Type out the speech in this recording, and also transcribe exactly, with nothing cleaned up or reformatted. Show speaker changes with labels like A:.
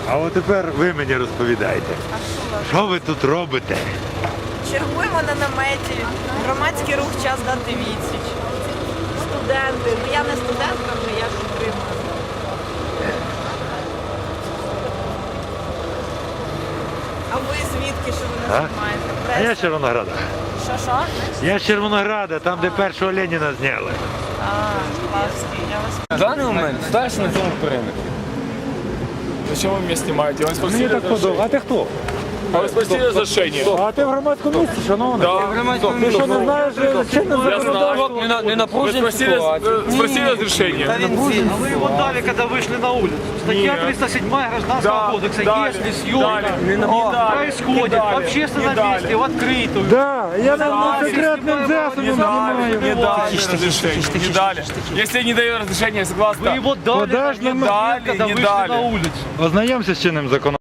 A: А от тепер ви мені розповідайте, що ви тут робите?
B: Чергуємо на наметі. Громадський рух «Час дати відсіч». Студенти. Ну я не студентка вже, я підтримую. А ви звідки, що ви не
A: А?
B: займаєте?
A: А я з Червонограда.
B: Що, що?
A: Я з Червонограда, там, де першого Леніна зняли.
B: А, класки, я вас...
C: В даний момент старший на цьому периметрі.
D: Зачем вы меня снимаете? Вы
A: Мені
D: спросили
A: так подобається. А ти хто?
D: А вы спросили разрешение?
A: А ти в громадському місці, шановний?
D: Да.
A: Ти що не знаєш, чинне
D: Я
A: законодавство?
D: знаю.
C: Не, на- не
D: Вы
C: напружені
D: спросили,
C: ситуації.
D: вы спросили разрешение?
E: А вы его дали, когда вышли на улицу. Статья
D: Нет.
E: триста седьмая Гражданского
D: Да,
E: кодекса.
D: дали,
E: Если
D: дали.
E: съемка
D: Не на- не дали,
E: происходит
D: не дали,
E: в общественном
D: не дали.
E: месте, в открытую.
A: Да, я на
D: дали.
A: секретним
D: Не
A: засобом
D: дали,
A: знімаю.
D: не дали разрешение, не дали. Если не даю разрешения, согласно.
E: Вы его дали,
A: Подожди,
E: на
A: не
E: момент,
D: дали,
E: когда
D: не
E: вышли
D: дали.
E: на улицу.
A: Ознайомся з чинним законодавством.